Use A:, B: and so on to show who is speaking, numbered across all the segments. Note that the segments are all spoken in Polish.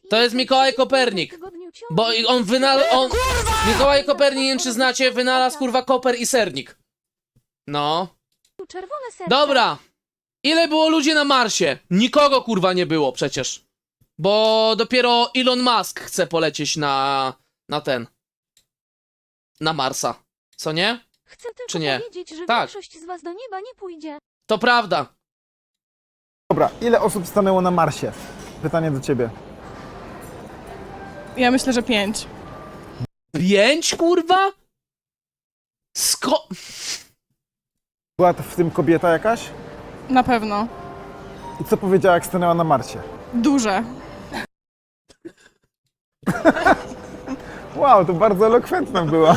A: To jest Mikołaj Kopernik. Bo on wynalazł... Mikołaj Kopernik, nie wiem czy znacie, wynalazł kurwa koper i sernik. No.
B: Czerwone serce.
A: Dobra. Ile było ludzi na Marsie? Nikogo kurwa nie było przecież. Bo dopiero Elon Musk chce polecieć na Marsa. Co nie?
B: Chcę tylko
A: Czy nie?
B: powiedzieć, że
A: Tak.
B: większość z was do nieba nie pójdzie.
A: To prawda.
C: Dobra, ile osób stanęło na Marsie? Pytanie do ciebie.
D: Ja myślę, że 5.
A: 5 kurwa?
C: Była w tym kobieta jakaś?
D: Na pewno.
C: I co powiedziała, jak stanęła na Marsie?
D: Duże.
C: Wow, to bardzo elokwentna była.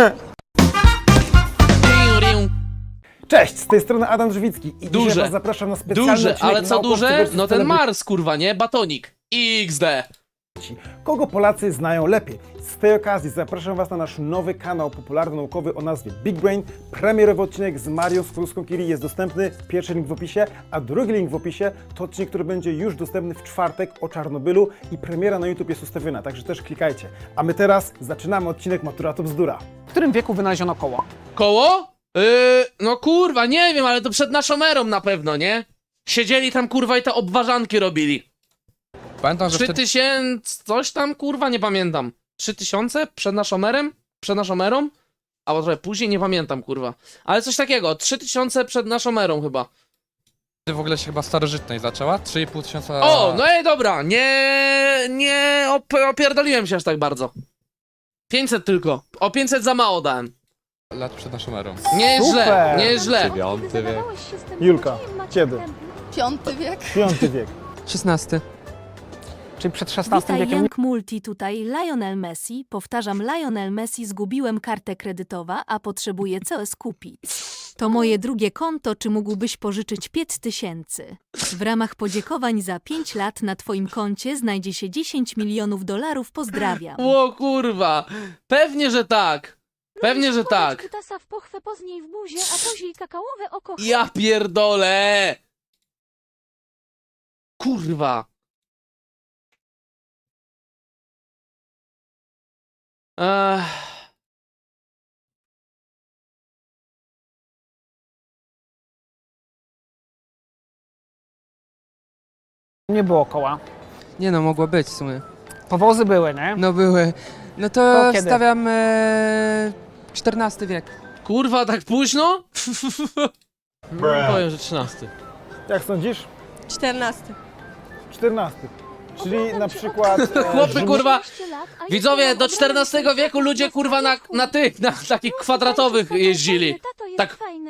C: Cześć, z tej strony Adam Drzwicki i
A: Duże.
C: dzisiaj was zapraszam na specjalny
A: Duże,
C: odcinek
A: ale co
C: Naukowcy
A: duże?
C: versus
A: No ten
C: celebryci.
A: Mars kurwa, nie? Batonik. XD.
C: Kogo Polacy znają lepiej? Z tej okazji zapraszam was na nasz nowy kanał popularno-naukowy o nazwie Big Brain. Premierowy odcinek z Marią Skłodowską-Curie jest dostępny. Pierwszy link w opisie, a drugi link w opisie to odcinek, który będzie już dostępny w czwartek o Czarnobylu i premiera na YouTube jest ustawiona, także też klikajcie. A my teraz zaczynamy odcinek Matura to bzdura.
E: W którym wieku wynaleziono koło?
A: Koło? No kurwa, nie wiem, ale to przed naszą erą na pewno, nie? Siedzieli tam kurwa i te obwarzanki robili.
F: Pamiętam, że
A: 3000, coś tam kurwa, nie pamiętam. 3000 przed naszą erą? Przed naszą erą? Albo trochę później, nie pamiętam kurwa. Ale coś takiego, 3000 przed naszą erą chyba.
F: wtedy w ogóle się chyba starożytność zaczęła. 3,5 tysiąca
A: O, no i dobra, nie opierdoliłem się aż tak bardzo. 500 tylko, o 500 za mało dałem.
F: lat przed naszą erą.
A: Nie jest źle,
C: Super.
A: nie jest źle.
F: Dziewiąty wiek.
C: Julka, kiedy?
D: Piąty wiek.
C: Piąty wiek.
G: 16.
E: Czyli przed XVI
B: Witaj,
E: wiekiem
B: Jank Multi, tutaj Lionel Messi. Powtarzam, Lionel Messi, zgubiłem kartę kredytowa, a potrzebuję coś kupić. To moje drugie konto, czy mógłbyś pożyczyć 5000? W ramach podziękowań za 5 lat na twoim koncie znajdzie się 10 milionów dolarów, pozdrawiam.
A: O kurwa, pewnie, że tak. Pewnie, że tak.
B: Kutasa w pochwę, pozniej w buzie, a później kakaowe oko.
A: Ja pierdolę! Kurwa. Ech.
E: nie było koła.
G: Nie no, mogło być w sumie.
E: Powozy były, nie?
G: No były. No to
E: To kiedy?
G: wstawiam XIV wiek.
A: Kurwa, tak późno? Powiem, że 13.
C: Jak sądzisz?
D: 14.
C: 14. Czyli na przykład...
A: Chłopy, kurwa,
B: 15 lat, a
A: widzowie,
B: jestem
A: do
B: obrany
A: XIV wieku ludzie, kurwa, na takich kwadratowych jeździli.
B: Tato jest
A: Tak.
B: fajny.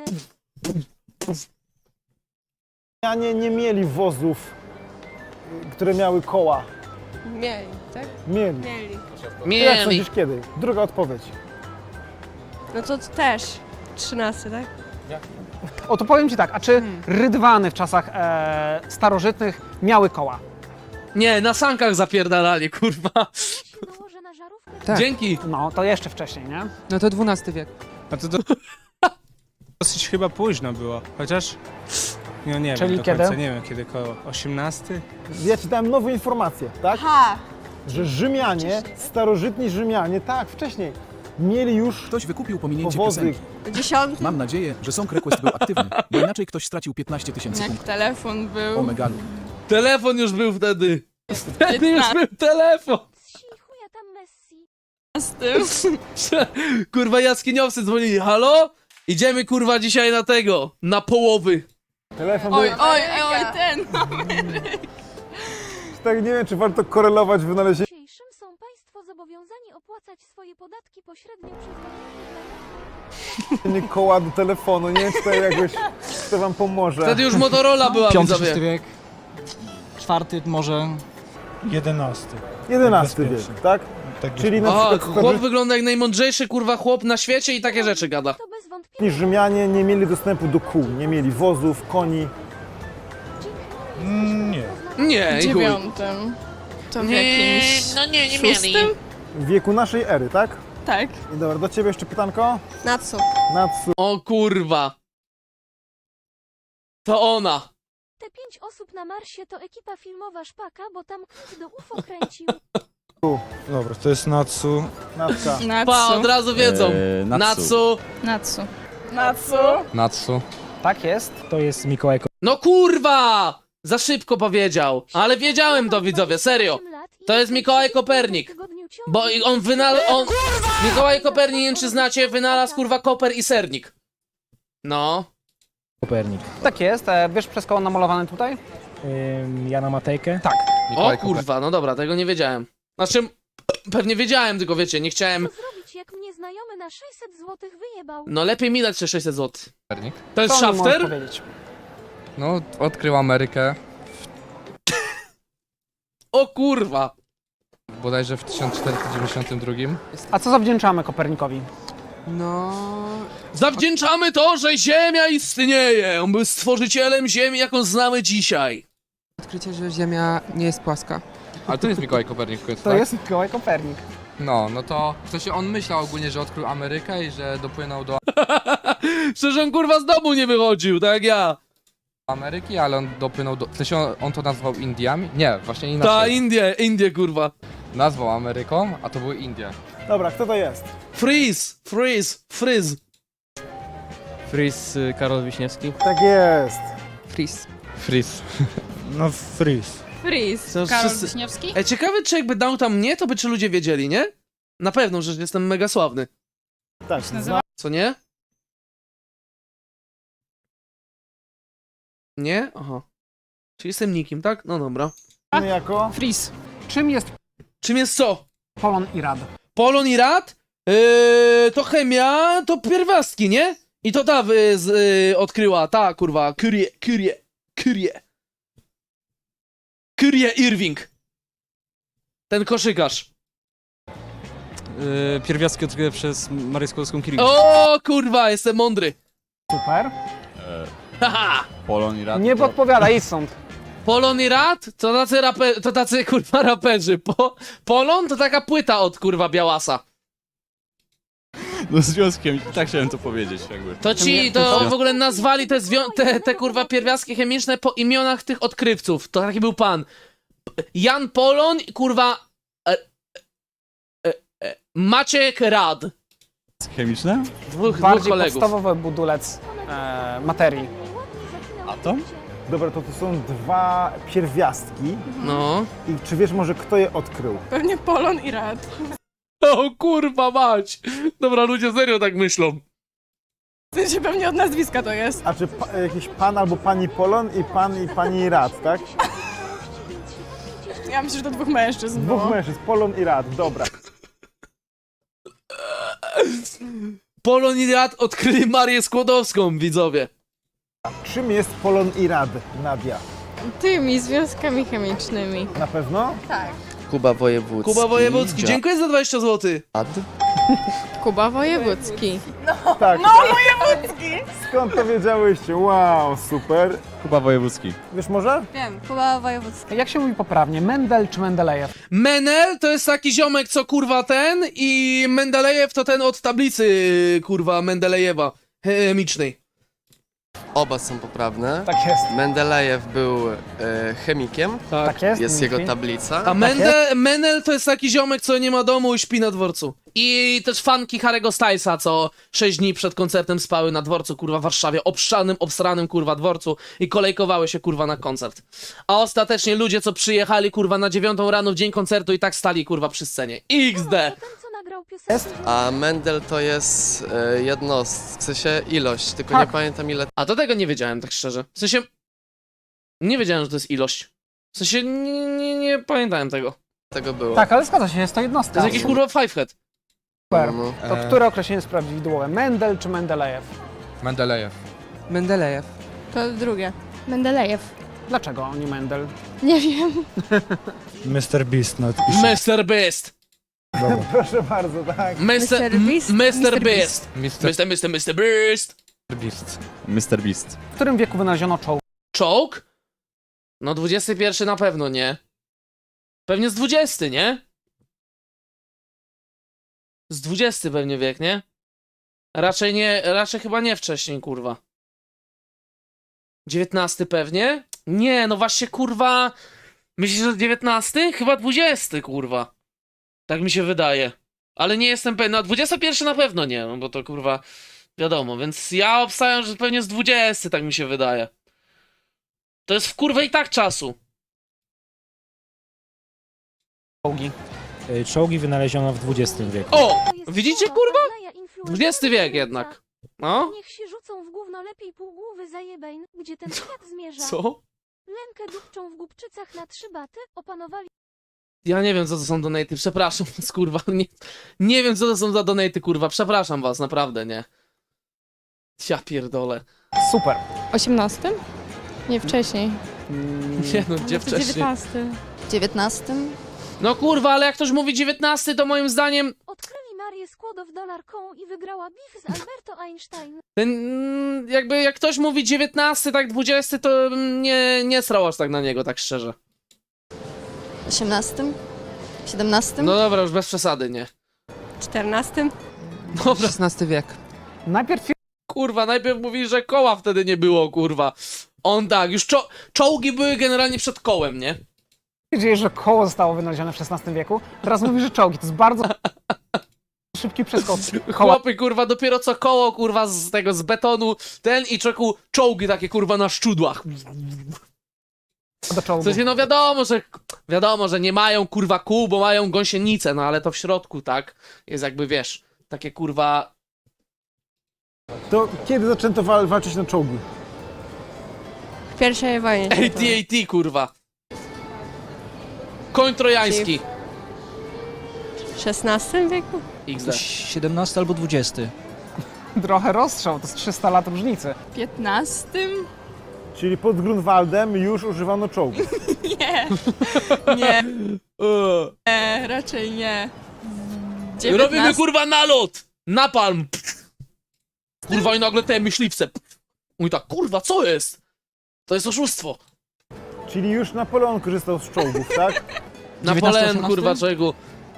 C: Rzymianie nie mieli wozów, które miały koła.
D: Mieli, tak?
C: Mieli.
D: Mieli.
C: Jak
A: Mieli.
C: sądzisz kiedy? Druga odpowiedź.
D: No to też. 13, tak?
E: O, to powiem ci tak, a czy rydwany w czasach starożytnych miały koła?
A: Nie, na sankach zapierdalali, kurwa.
B: się nałożę na żarówkę.
G: Tak.
A: Dzięki.
E: No, to jeszcze wcześniej, nie?
G: No to XII wiek.
H: A to dosyć chyba późno było, chociaż no nie
E: Czyli
H: wiem do
E: kiedy?
H: końca, nie wiem kiedy, koło 18?
C: Ja czytałem nową informację, tak?
D: Ha!
C: Że Rzymianie, starożytni Rzymianie, tak, wcześniej, mieli już
I: Ktoś wykupił pominięcie
C: powozy.
I: piosenki.
D: 10.
I: Mam nadzieję, że Song Request był aktywny, bo inaczej ktoś stracił 15 000
D: Jak
I: punktów.
D: telefon był.
I: O megalu.
A: Telefon już był wtedy. Wtedy już był telefon.
B: Z chuja tam Messi.
D: Z tym.
A: Kurwa, jaskiniowcy dzwonili. Halo? Idziemy, kurwa, dzisiaj na tego. Na połowy.
C: Telefon
D: Oj,
C: był...
D: oj, ten.
C: Tak nie wiem, czy warto korelować wynalezienie
B: Dzisiejszym są państwo zobowiązani opłacać swoje podatki pośrednio przez
C: koła do telefonu. Nie wiem, czy to jakoś to wam pomoże.
A: Wtedy już Motorola była, widzowie.
J: wiek, czwarty może
H: 11.
C: 11 wiek, tak? Czyli na
A: O,
C: przykład
A: chłop wygląda jak najmądrzejszy, kurwa, chłop na świecie i takie rzeczy gada.
B: To bez wątpienia
C: starożytni Rzymianie nie mieli dostępu do kół, nie mieli wozów, koni.
H: Nie.
A: Nie, i chuj.
D: 9. To w jakimś
A: no nie
D: szóstym?
C: W wieku naszej ery, tak?
D: Tak.
C: I dobra, do ciebie jeszcze pytanko.
D: Na co?
C: Natsu.
A: O kurwa. To ona.
B: Te 5 osób na Marsie to ekipa filmowa Szpaka, bo tam ktoś do UFO kręcił.
H: Dobra, to jest Natsu.
C: Natka.
A: Pa, od razu wiedzą. Natsu.
D: Natsu.
F: Natsu.
E: Tak jest.
H: To jest Mikołaj
A: No kurwa! Za szybko powiedział. Ale wiedziałem to, widzowie, serio. To jest Mikołaj Kopernik. Bo on wynalazł... Mikołaj Kopernik, nie wiem czy znacie, wynalazł kurwa koper i sernik. No.
H: Kopernik.
E: Tak jest. Wiesz przez koło namalowane tutaj?
H: Jana Matejkę?
E: Tak.
A: O
F: Mikołaj Kopernik.
A: kurwa, no dobra, tego nie wiedziałem. Znaczy, pewnie wiedziałem, tylko wiecie, nie chciałem...
B: Co zrobić, jak mnie znajomy na 600 zł wyjebał?
A: No lepiej mi dać te 600 zł.
F: Kopernik.
A: To jest
E: Co mi możesz
A: Shafter?
E: powiedzieć?
F: No, odkrył Amerykę
A: O kurwa.
F: bodajże w 1492.
E: A co zawdzięczamy Kopernikowi?
G: No...
A: Zawdzięczamy to, że Ziemia istnieje. On był stworzycielem Ziemi, jaką znamy dzisiaj.
G: Odkrycie, że Ziemia nie jest płaska.
F: Ale to jest Mikołaj Kopernik w końcu,
E: To
F: tak?
E: jest Mikołaj Kopernik.
F: No to... W sensie on myślał ogólnie, że odkrył Amerykę i że dopłynął do
A: Przecież on kurwa z domu nie wychodził, tak jak ja.
F: Ameryki, ale on dopłynął do... W sensie on to nazwał Indiami? Nie, właśnie
A: Ta
F: inaczej.
A: Indie kurwa.
F: Nazwał Ameryką, a to były Indie.
C: Dobra, kto to jest?
A: Freeze.
H: Fris Karol Wiśniewski.
C: Tak jest.
G: Freeze.
F: Fris.
H: No Fris.
D: Freeze.
A: Są
D: Karol
A: wszyscy-
D: Wiśniewski?
A: Ciekawe, czy jakby dał tam mnie, to by czy ludzie wiedzieli, nie? Na pewno, że jestem mega sławny.
C: Tak,
D: nazywa?
A: Co nie? Nie? Aha. Czyli jestem nikim, tak? No dobra.
C: znany jako...
D: Freeze.
E: Czym jest
A: Czym jest co?
E: Polon i Rad?
A: Polon i rad? To chemia, to pierwiastki, nie? I to ta odkryła, ta kurwa, Curie Irving. Ten koszykarz.
H: Pierwiastki odkryte przez Marię Skłodowską-Curie.
A: O kurwa, jestem mądry.
E: Super.
A: Haha.
K: Polon i Rad.
E: Nie podpowiada, idź stąd.
A: Polon i rad? To tacy kurwa raperzy. Polon to taka płyta od kurwa Białasa.
K: No związkiem, tak chciałem to powiedzieć jakby.
A: To w ogóle nazwali te kurwa pierwiastki chemiczne po imionach tych odkrywców. To taki był pan. Jan Polon i kurwa Maciek Rad.
K: Chemiczne?
A: Dwóch
E: Bardziej
A: kolegów.
E: podstawowy budulec materii.
K: Atom?
C: Dobra, to są dwa pierwiastki.
A: No.
C: I czy wiesz może kto je odkrył?
D: Pewnie Polon i Rad.
A: O kurwa mać. Dobra, ludzie serio tak myślą.
D: W sensie pewnie od nazwiska to jest.
C: A czy jakiś pan albo pani Polon i pan i pani Rad, tak?
D: Ja myślę, że to dwóch mężczyzn
C: Dwóch
D: było.
C: mężczyzn, Polon i Rad, dobra.
A: Polon i Rad odkryli Marię Skłodowską, widzowie.
C: Czym jest Polon i Rad, Nadia?
D: Tymi związkami chemicznymi.
C: Na pewno?
L: Kuba Wojewódzki.
A: Kuba Wojewódzki, dziękuję za 20 zł.
D: Kuba Wojewódzki.
C: Tak. No, wojewódzki! Skąd to wiedziałyście? Wow, super.
K: Kuba Wojewódzki.
C: Wiesz może?
D: Wiem, Kuba Wojewódzki.
E: Jak się mówi poprawnie? Mendel czy Mendelejew?
A: Menel to jest taki ziomek, co kurwa ten i Mendelejew to ten od tablicy kurwa Mendelejewa chemicznej.
L: Oba są poprawne.
C: Tak jest.
L: Mendelejew był chemikiem.
E: Tak jest.
L: Jest jego
E: dzięki.
L: tablica.
A: A Menel to jest taki ziomek, co nie ma domu i śpi na dworcu. I też fanki Harry'ego Stylesa, co 6 dni przed koncertem spały na dworcu, kurwa, w Warszawie, obsranym, kurwa, dworcu i kolejkowały się, kurwa, na koncert. A ostatecznie ludzie, co przyjechali, kurwa, na 9 rano w dzień koncertu i tak stali, kurwa, przy scenie. XD!
B: Ten, co nagrał piosenkę.
L: A Mendel to jest jednostka, w sensie ilość, tylko
E: Tak.
L: nie pamiętam ile.
A: A to tego nie wiedziałem, tak szczerze. W sensie... Nie wiedziałem, że to jest ilość. W sensie nie pamiętałem tego.
L: Tego było.
E: Tak, ale zgadza się, jest to
A: To
E: jednostka.
A: jest jakiś, kurwa, fivehead.
E: Super.
L: No.
E: To które określenie jest prawidłowe? Mendel czy Mendelejew?
F: Mendelejew.
G: Mendelejew.
D: To drugie. Mendelejew.
E: Dlaczego nie Mendel?
D: Nie wiem.
H: Mr. Beast. No,
A: Mr. Beast.
C: Proszę bardzo, tak.
A: Mr. Beast.
F: Mr.
A: Beast.
F: Beast.
K: Mr. Beast.
E: W którym wieku wynaleziono czołg?
A: Czołg? No 21 na pewno nie. Pewnie z 20, nie? Z 20 pewnie wiek, nie? Raczej chyba nie wcześniej, kurwa. 19 pewnie? Nie, no właśnie, kurwa... Myślisz, że 19? Chyba 20, kurwa. Tak mi się wydaje. Ale nie jestem pewien. No 21 na pewno nie, no bo to kurwa... Wiadomo, więc ja obstawiam, że pewnie z 20, tak mi się wydaje. To jest w kurwę i tak czasu.
E: Czołgi.
H: Czołgi wynaleziono w XX wieku.
A: O! Widzicie, kurwa? XX wiek jednak. No?
B: Niech się rzucą w gówno lepiej półgłowy zajebejn, gdzie ten świat zmierza.
A: Co?
B: Lękę dupczą w głupczycach na 3 baty, opanowali...
A: Ja nie wiem, co to są donaty, przepraszam was, kurwa. Nie wiem, co to są za donaty, kurwa. Przepraszam was, naprawdę, nie. Ja pierdolę.
E: Super.
D: 18? Nie, wcześniej.
A: Nie no, gdzie wcześniej?
D: 19.
M: 19?
A: No kurwa, ale jak ktoś mówi 19, to moim zdaniem
B: Odkryli Marię Skłodow-Dolarką i wygrała beef z Alberto Einstein.
A: ten, jakby jak ktoś mówi 19, tak 20, to nie srał aż tak na niego, tak szczerze.
M: 18? 17?
A: No dobra, już bez przesady, nie.
D: 14?
A: Dobra,
G: XVI wiek.
E: Najpierw
A: kurwa, najpierw mówi, że koła wtedy nie było, kurwa. On tak, już czołgi były generalnie przed kołem, nie?
E: twierdziłeś, że koło zostało wynalezione w XVI wieku. Teraz mówisz, że czołgi. To jest bardzo szybki przeskok. Koła
A: Chłopy, kurwa, dopiero co koło, kurwa, z tego, z betonu, ten i czeku czołgi takie, kurwa, na szczudłach.
E: do
A: W
E: czołgu.
A: sensie, no wiadomo, że nie mają, kurwa, kół, bo mają gąsienicę, no ale to w środku, tak, jest jakby, wiesz, takie, kurwa...
C: To kiedy zaczęto walczyć na czołgi?
D: W pierwszej wojnie.
A: AT-AT, kurwa. Koń trojański.
D: W XVI wieku?
A: XD.
J: 17 albo 20.
E: Trochę rozstrzał, to jest 300 lat różnicy.
D: 15?
C: Czyli pod Grunwaldem już używano czołgów.
D: Nie. Nie, raczej nie.
A: Robimy, kurwa, nalot! Napalm! Kurwa, i nagle te myśliwce. Mówi tak, kurwa, co jest? To jest oszustwo.
C: Czyli już Napoleon korzystał z czołgów, tak?
A: Napoleon, kurwa, czego?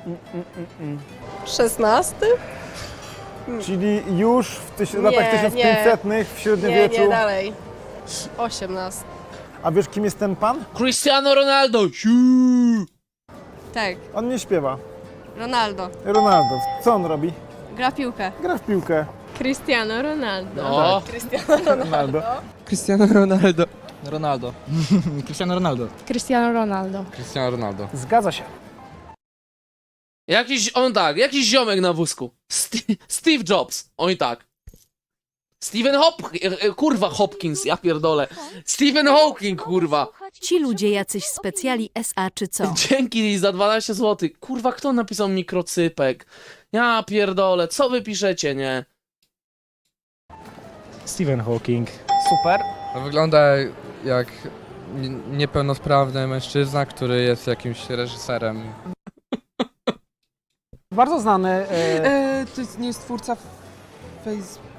D: XVI?
C: Czyli już w latach 1500 w średniowieczu.
D: dalej. 18.
C: A wiesz, kim jest ten pan?
A: Cristiano Ronaldo! Siu!
D: Tak,
C: On nie śpiewa.
D: Ronaldo.
C: Ronaldo. Co on robi?
D: Gra piłkę.
C: Gra w piłkę.
D: Cristiano Ronaldo.
A: No,
C: Ronaldo.
G: Cristiano Ronaldo.
J: Ronaldo. Cristiano Ronaldo.
D: Cristiano Ronaldo.
F: Cristiano Ronaldo.
E: Zgadza się.
A: jakiś ziomek na wózku. Steve Jobs, on i tak. Kurwa, Hopkins, ja pierdolę. Stephen Hawking, kurwa.
B: Ci ludzie jacyś specjali SA czy co?
A: Dzięki za 12 zł. Kurwa, kto napisał mikrocypek? Ja pierdolę, co wy piszecie, nie?
H: Stephen Hawking.
E: Super.
F: To wygląda jak niepełnosprawny mężczyzna, który jest jakimś reżyserem.
E: Bardzo znany.
G: To nie jest twórca Facebook.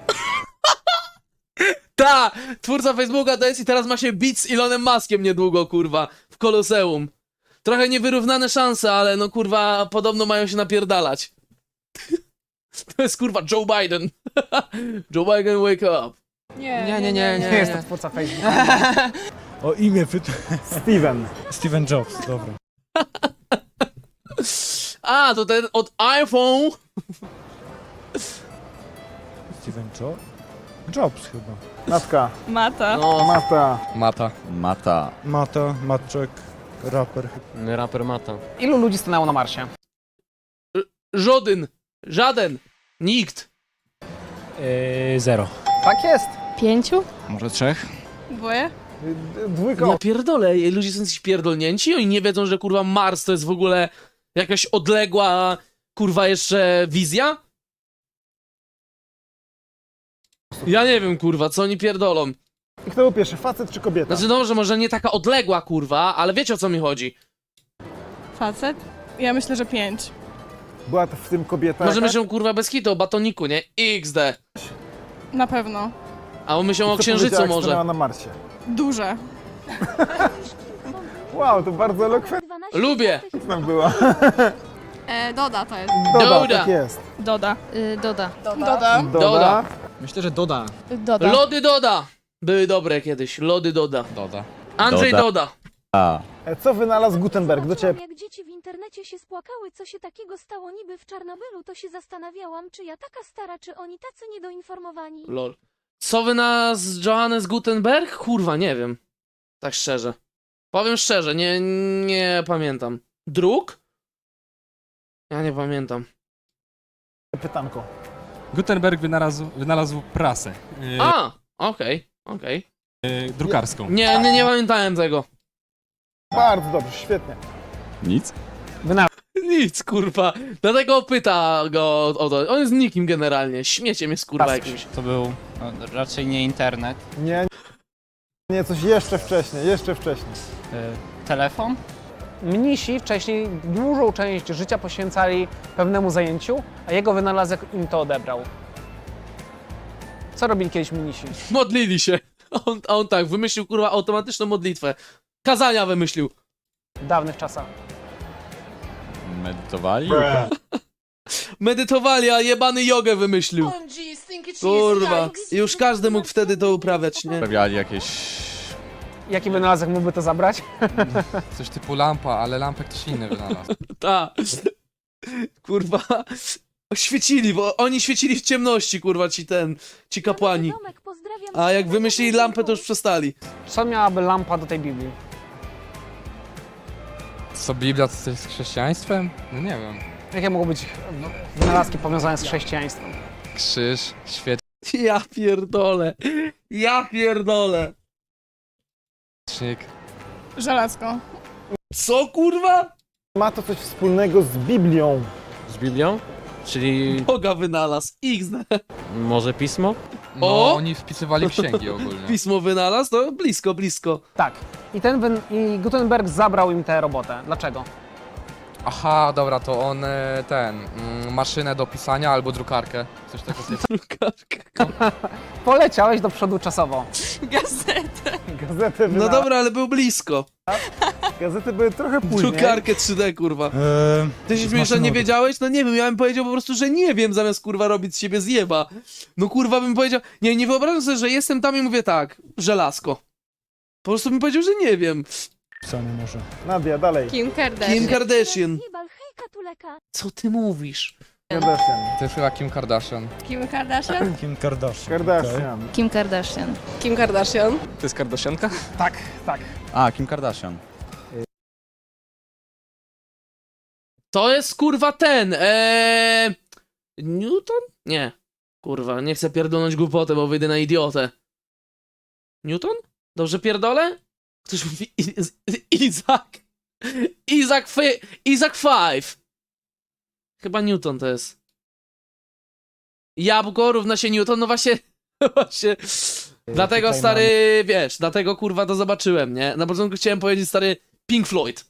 A: Ta! Twórca Facebooka to jest i teraz ma się bić z Elonem Muskiem niedługo, kurwa, w Koloseum. Trochę niewyrównane szanse, ale no kurwa, podobno mają się napierdalać. To jest kurwa Joe Biden. Joe Biden, wake up.
E: Nie jest to twórca Facebooka.
H: O imię
C: Steven.
H: Steven Jobs, dobra.
A: A, to ten od iPhone.
H: Steven Jobs chyba.
C: Matka.
D: Mata.
A: No,
F: Mata.
H: Mata, Matczek, raper.
L: Raper Mata.
E: Ilu ludzi stanęło na Marsie?
A: żaden, nikt.
H: 0.
E: Tak jest.
D: 5?
J: Może 3?
D: Dwoje?
C: Dwójka.
A: Ja pierdolę, ludzie są jacyś pierdolnięci, oni nie wiedzą, że kurwa Mars to jest w ogóle jakaś odległa, kurwa jeszcze wizja? Ja nie wiem, kurwa, co oni pierdolą.
C: I kto był pierwszy, facet czy kobieta?
A: Znaczy dobrze, może nie taka odległa, kurwa, ale wiecie, o co mi chodzi.
D: Facet? Ja myślę, że 5.
C: Była to w tym kobieta
A: Może
C: jakaś?
A: myślą, kurwa, bez kitu o batoniku, nie? XD.
D: Na pewno.
A: A myślą o
C: Co
A: księżycu
C: powiedziała, jak
A: może.
C: stanęła na Marsie.
D: Duże.
C: Wow, to bardzo elokwentna
A: Lubię.
C: była.
D: Doda to jest.
C: Doda,
A: Doda.
C: tak jest.
D: Doda.
B: Doda.
D: Doda.
A: Doda.
J: Myślę, że Doda.
D: Doda.
A: Lody Doda. Były dobre kiedyś, lody Doda.
F: Doda.
A: Andrzej Doda.
C: Co wynalazł Gutenberg? Do ciebie
B: Jak dzieci w internecie się spłakały, co się takiego stało niby w Czarnobylu, to się zastanawiałam, czy ja taka stara, czy oni tacy niedoinformowani.
A: Lol. Co wy nas Johannes Gutenberg? Kurwa, nie wiem. Tak szczerze. Powiem szczerze, nie pamiętam. Druk? Ja nie pamiętam.
C: pytanko.
H: Gutenberg wynalazł prasę.
A: Okej.
H: Drukarską.
A: Nie pamiętałem tego.
C: Bardzo dobrze, świetnie.
K: Nic?
A: Nic, kurwa. Dlatego pyta go o to. On jest nikim generalnie. Śmieciem jest, kurwa, jakimś.
J: To był raczej nie internet.
C: Nie, coś jeszcze wcześniej.
J: Telefon?
E: Mnisi wcześniej dużą część życia poświęcali pewnemu zajęciu, a jego wynalazek im to odebrał. Co robili kiedyś mnisi?
A: Modlili się. On tak, wymyślił, kurwa, automatyczną modlitwę. Kazania wymyślił.
E: W dawnych czasach.
K: Medytowali?
A: Medytowali, a jebany jogę wymyślił. Kurwa. Już każdy mógł wtedy to uprawiać, nie?
K: Sprawiali jakieś...
E: Jaki wynalazek mógłby to zabrać?
F: Coś typu lampa, ale lampę ktoś inny wynalazł.
A: Ta. Kurwa. Świecili, bo oni świecili w ciemności, kurwa, ci kapłani. A jak wymyślili lampę, to już przestali.
E: Co miałaby lampa do tej Biblii?
F: Co, Biblia to coś z chrześcijaństwem? No nie wiem.
E: Jakie mogą być wynalazki powiązane z chrześcijaństwem?
F: Krzyż,
A: Ja pierdolę.
F: świecznik.
D: Żelazko.
A: Co, kurwa?
C: Ma to coś wspólnego z Biblią.
N: Z Biblią? Czyli
A: Boga wynalazł. XD.
N: może pismo?
F: No,
A: O!
F: oni wpisywali księgi ogólnie.
A: Pismo wynalazł? To blisko.
E: Tak. I Gutenberg zabrał im tę robotę. Dlaczego?
F: Aha, dobra, to on maszynę do pisania albo drukarkę. Coś takiego.
E: Poleciałeś do przodu czasowo.
C: Gazety
A: No dobra, ale był blisko.
C: Gazety były trochę później.
A: Drukarkę 3D, kurwa. Ty się śmiesz, że nie wiedziałeś? No nie wiem, ja bym powiedział po prostu, że nie wiem, zamiast kurwa robić z siebie zjeba. No kurwa bym powiedział, nie wyobrażam sobie, że jestem tam i mówię tak, żelazko. Po prostu bym powiedział, że nie wiem.
C: Nadia, dalej.
D: Kim Kardashian.
A: Kim Kardashian. Co ty mówisz?
C: Kardashian.
F: To jest chyba Kim Kardashian.
D: Kim Kardashian?
C: Kardashian.
M: Kim Kardashian.
D: Kim Kardashian?
N: To jest Kardashianka?
E: Tak.
K: A, Kim Kardashian.
A: To jest kurwa ten, Newton? Nie. Kurwa, nie chcę pierdolnąć głupotę, bo wyjdę na idiotę. Newton? Dobrze pierdolę? Ktoś mówi Isaac 5. Chyba Newton to jest. Jabłko równa się Newton, no właśnie. Dlatego stary, wiesz, dlatego kurwa to zobaczyłem, nie? Na początku chciałem powiedzieć stary Pink Floyd.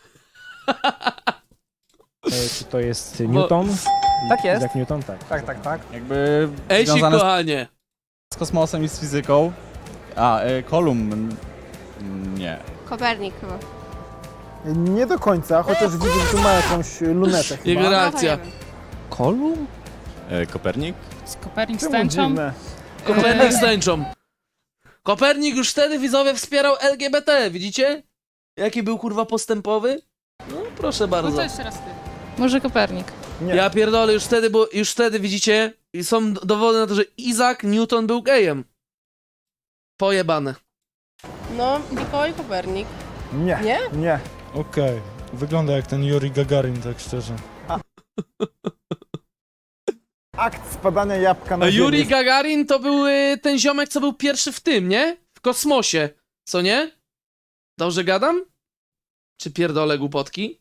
N: Czy to jest Newton?
E: Tak jest.
N: Isaac Newton, tak.
E: Tak.
K: Jakby
A: Ej,
K: związane
A: kochanie.
K: z kosmosem i z fizyką. Kolumn... Nie.
D: Kopernik chyba.
C: Nie do końca, chociaż widzę, że tu ma jakąś lunetę chyba.
A: Jego reakcja.
N: Kolumn?
K: Kopernik?
E: Kopernik
C: Czemu dziwne?
A: Kopernik z tęczą. Kopernik już wtedy widzowie wspierał LGBT, widzicie? Jaki był kurwa postępowy? No proszę bardzo.
D: Może Kopernik.
C: Nie.
A: Ja pierdolę, już wtedy widzicie, i są dowody na to, że Isaac Newton był gejem. Pojebane.
D: No, Mikołaj Kopernik.
C: Nie.
N: Okej. Wygląda jak ten Yuri Gagarin, tak szczerze.
C: Akt spadania jabłka na
A: A
C: ziemię.
A: Yuri Gagarin to był ten ziomek, co był pierwszy w tym, nie? W kosmosie, co nie? Dobrze gadam? Czy pierdolę głupotki?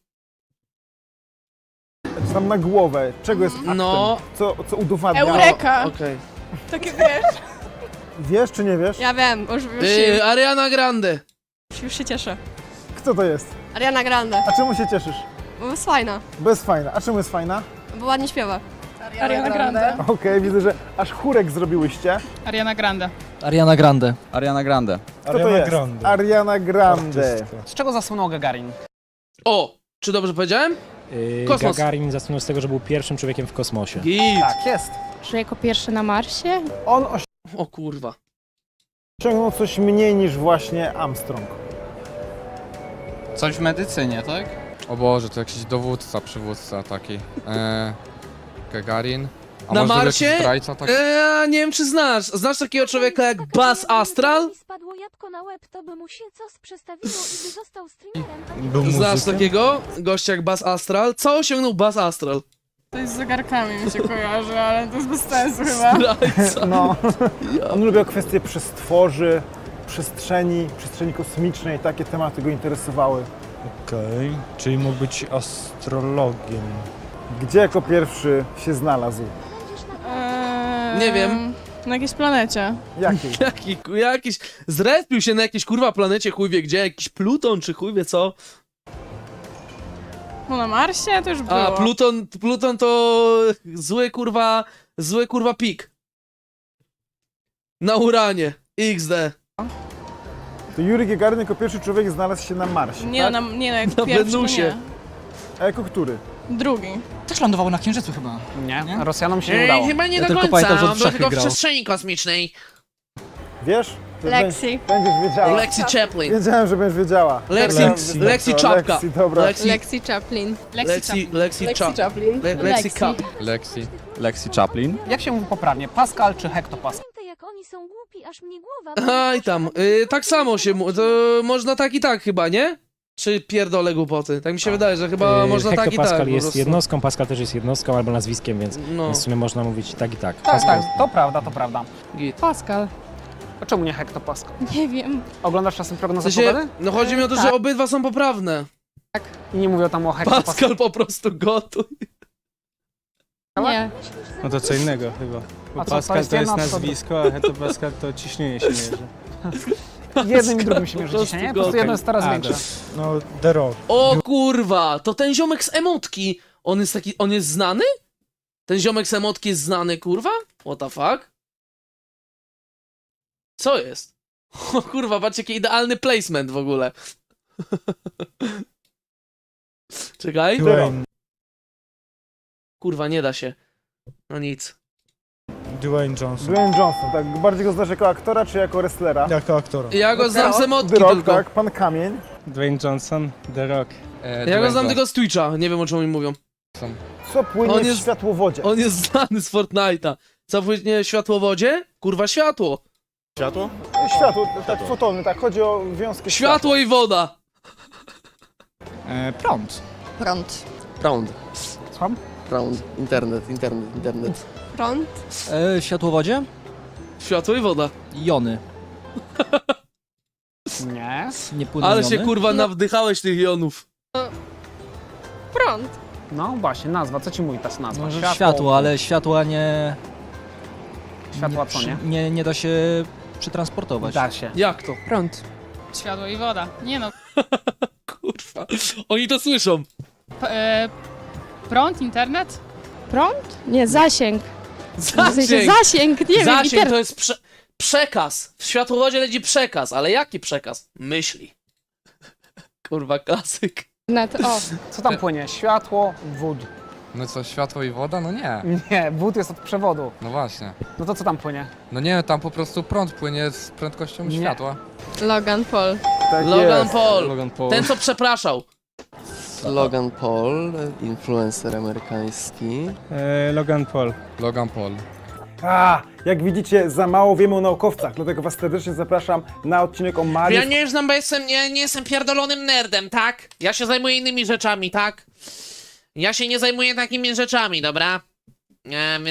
C: Tam na głowę. Czego jest aktem?
A: No.
C: Co udowadnia?
D: Eureka!
A: Okej.
D: Takie wiesz.
C: Wiesz czy nie wiesz?
D: Ja wiem,
A: Ariana Grande.
D: już się cieszę.
C: Kto to jest?
D: Ariana Grande.
C: A czemu się cieszysz?
D: Bo jest fajna.
C: Bez fajna. A czemu jest fajna?
D: Bo ładnie śpiewa.
G: Ariana Grande.
C: Okej, widzę, że aż chórek zrobiłyście.
G: Ariana Grande.
J: Ariana Grande.
K: Ariana Grande.
C: Kto to jest? Ariana Grande.
E: Z czego zasłynął Gagarin?
A: O! Czy dobrze powiedziałem? Kosmos.
N: Gagarin zasłynął z tego, że był pierwszym człowiekiem w kosmosie.
A: Git.
C: Tak jest.
D: Czy jako pierwszy na Marsie?
C: On
A: O kurwa.
C: osiągnął coś mniej niż właśnie Armstrong.
J: Coś w medycynie, tak?
F: O Boże, to jakiś dowódca, przywódca taki. Gagarin. A
A: Na
F: może to był
A: Marsie?
F: jakiś zdrajca taki?
A: Nie wiem czy znasz. Znasz takiego człowieka jak Buzz Astral?
B: Spadło jabłko na łeb, to by mu się coś przestawiło i by został streamerem.
N: Był
A: Znasz
N: muzykiem?
A: takiego gościa jak Buzz Astral? Co osiągnął Buzz Astral?
D: To jest z zegarkami mi się kojarzy, ale to jest bez sensu chyba.
A: Zdrajca.
C: No, on lubił kwestie przestworzy, przestrzeni kosmicznej, takie tematy go interesowały.
N: Okej, czyli mógł być astrologiem.
C: Gdzie jako pierwszy się znalazł?
A: Nie wiem.
D: Na jakiejś planecie.
C: Jakiej?
A: Jakiś... Zrespił się na jakiejś kurwa planecie, chuj wie gdzie, jakiś Pluton czy chuj wie co.
D: No na Marsie to już było.
A: A, Pluton to zły kurwa pik. Na Uranie. XD.
C: To Juri Gagarin jako pierwszy człowiek znalazł się na Marsie,
D: Nie,
C: tak?
D: no, nie, no jak
A: Na
D: pierwszy
A: Wenusie.
D: to nie.
C: A jako który?
D: Drugi.
J: Też lądował na Księżycu chyba.
E: Nie, Rosjanom się nie udało.
A: Chyba nie
J: Ja
A: do
J: tylko
A: końca,
J: pamiętam, że
A: on
J: w
A: był
J: szachy
A: tylko w
J: grał.
A: przestrzeni kosmicznej.
C: Wiesz? To
D: Lexi.
C: Będziesz wiedziała.
A: Lexi Chaplin.
C: Wiedziałem, że będziesz wiedziała.
A: Lexi Czapka.
C: Lexi, dobra.
D: Lexi Chaplin.
A: Lexi
D: Chaplin.
A: Lexi Cup.
K: Lexi Chaplin.
E: Jak się mówi poprawnie? Pascal czy hektopascal?
B: Jak oni są głupi, aż mnie głowa...
A: Aj tam, tak samo się to można tak i tak chyba, nie? Czy pierdolę głupoty? Tak mi się wydaje, że chyba można tak i tak.
H: Hektopascal
A: po
H: jest
A: prostu.
H: jednostką, Pascal też jest jednostką albo nazwiskiem, więc
A: No,
H: w sumie można mówić tak i tak.
E: Tak, tak, to prawda, to prawda.
A: git.
D: Pascal.
E: A czemu nie hektopascal?
D: Nie wiem.
E: Oglądasz czasem
A: W
E: prognozę
A: sensie,
E: pogody?
A: no chodzi mi o to, że
D: Tak.
A: obydwa są poprawne.
E: I nie mówią tam o hektopascal.
A: Pascal po prostu gotuj.
D: Nie.
H: No to co innego chyba. Bo
E: A co, to
H: Pascal
E: jest
H: to jest
E: jedna, to-
H: nazwisko, a Hektopascal to ciśnienie się mierzy.
E: Jednym i drugim się mierzy
A: Po
E: dzisiaj, nie? Po
A: prostu
E: prostu jedno jest teraz
H: A,
E: większe.
N: No, The Rock.
A: O kurwa, to ten ziomek z emotki. On jest znany? Ten ziomek z emotki jest znany, kurwa? What the fuck? Co jest? O kurwa, patrzcie, jaki idealny placement w ogóle. Czekaj.
N: Dwayne,
A: Kurwa, nie da się. No nic.
N: Dwayne Johnson.
C: Dwayne Johnson, tak? Bardziej go znasz jako aktora czy jako wrestlera?
N: Jako aktora.
A: Ja go znam z emotki
C: The Rock,
A: tylko.
C: tak? Pan Kamień.
H: Dwayne Johnson, The Rock.
A: Ja go znam tylko z Twitcha, nie wiem o czym oni mówią.
C: Co płynie
A: On
C: w
A: jest-
C: światłowodzie?
A: On jest znany z Fortnite'a. Co płynie w światłowodzie? Kurwa, światło.
C: Światło, tak, fotony, tak. Chodzi o wiązkę
A: Światło i woda.
J: Prąd.
M: Prąd.
L: Prąd.
E: Słucham?
L: Prąd. Internet.
D: Prąd.
J: Światłowodzie?
A: Światło i woda.
J: Jony.
E: Nie.
J: Nie płyną
A: Ale
J: jony?
A: się kurwa nawdychałeś tych jonów.
D: Prąd.
E: No właśnie, nazwa. Co ci mówi ta nazwa?
J: Może światło, ale światła nie...
E: Światła co nie?
J: Nie da się przetransportować.
E: Da się.
A: Jak to?
D: Prąd.
O: Światło i woda. Nie no.
A: Kurwa. Oni to słyszą.
O: Prąd, internet?
D: Prąd? Nie, zasięg. W sensie
A: Zasięg.
D: zasięg, nie wiem,
A: Zasięg to jest przekaz. W światłowodzie leci przekaz, ale jaki przekaz? Myśli. Kurwa, klasyk.
D: internet. O,
E: Co tam płynie? Światło, wód.
F: No co, światło i woda? No nie.
E: Nie, wód jest od przewodu.
F: No właśnie.
E: No to co tam płynie?
F: No nie, tam po prostu prąd płynie z prędkością
E: Nie.
F: światła.
D: Logan Paul.
C: Tak
A: Logan
C: jest.
A: Paul.
F: Logan Paul.
A: Ten, co przepraszał.
L: Logan Paul, influencer amerykański.
H: Logan Paul.
F: Logan Paul.
C: Jak widzicie, za mało wiemy o naukowcach, dlatego was serdecznie zapraszam na odcinek o Marii.
A: Ja nie znam, bo nie jestem pierdolonym nerdem, tak? Ja się zajmuję innymi rzeczami, tak? Ja się nie zajmuję takimi rzeczami, dobra?